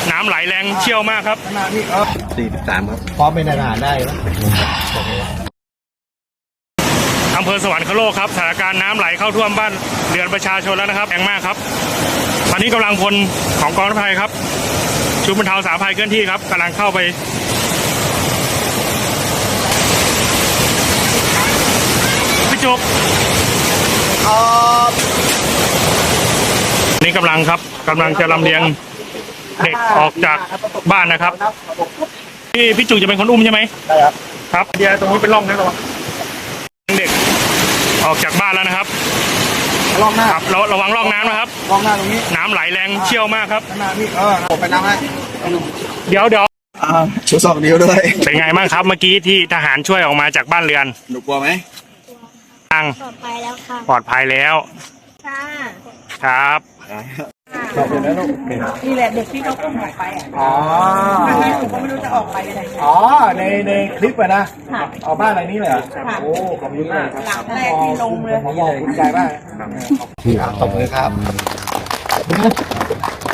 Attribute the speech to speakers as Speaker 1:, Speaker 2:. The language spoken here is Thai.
Speaker 1: น้ำไหลแรงเชี่ยวมากครับ
Speaker 2: 43ครับพร้อมเป็นทหารได้แล้ว
Speaker 1: อำเภอสวรรคโลกครับสถานการณ์น้ำไหลเข้าท่วมบ้านเรือนประชาชนแล้วนะครับแรงมากครับตอนนี้กำลังพลของกองทัพไทยครับชุดบรรเทาสาธารณภัยเคลื่อนที่ครับกำลังเข้าไปพี่จุกนี่กำลังจะลำเลียงเด็กออกจากบ้านนะครับพี่จุกจะเป็นคนอุ้มใช่ไหม
Speaker 2: ได้ครับ
Speaker 1: ครับเดี๋ยวตรงนี้เป็นร่องนะเด็กออกจากบ้านแล้วนะครับ
Speaker 2: ร่องหน้า
Speaker 1: ครับระวังร่องน้ำนะครับ
Speaker 2: ร่องหน้าตรงนี้
Speaker 1: น้ำไหลแรงเชี่ยวมากครับ
Speaker 2: หน้าพี่ผมไปน้ำให้
Speaker 1: เดี๋ยว
Speaker 2: ชู2 นิ้วด้วย
Speaker 1: เป็นไงบ้างครับเมื่อกี้ที่ทหารช่วยออกมาจากบ้านเรือน
Speaker 2: หนูกลัวไหม
Speaker 1: ปลอดภัยแล้วค่ะปลอดภัยแล้วค่ะครับ
Speaker 2: ขอบคุณนะลูก
Speaker 3: นี่แหละเด็กที่เขาอุ้มออกไปถ้าให้ผมก็ไม่รู้จะออกไปยังไง
Speaker 2: ในคลิปอะนะเอาบ้านอะไรนี้เลยโอ้ขอบคุณมาก
Speaker 3: หลังแรกที่ลงเลย
Speaker 2: ผมบอกคุณใจมากขอบคุณครับ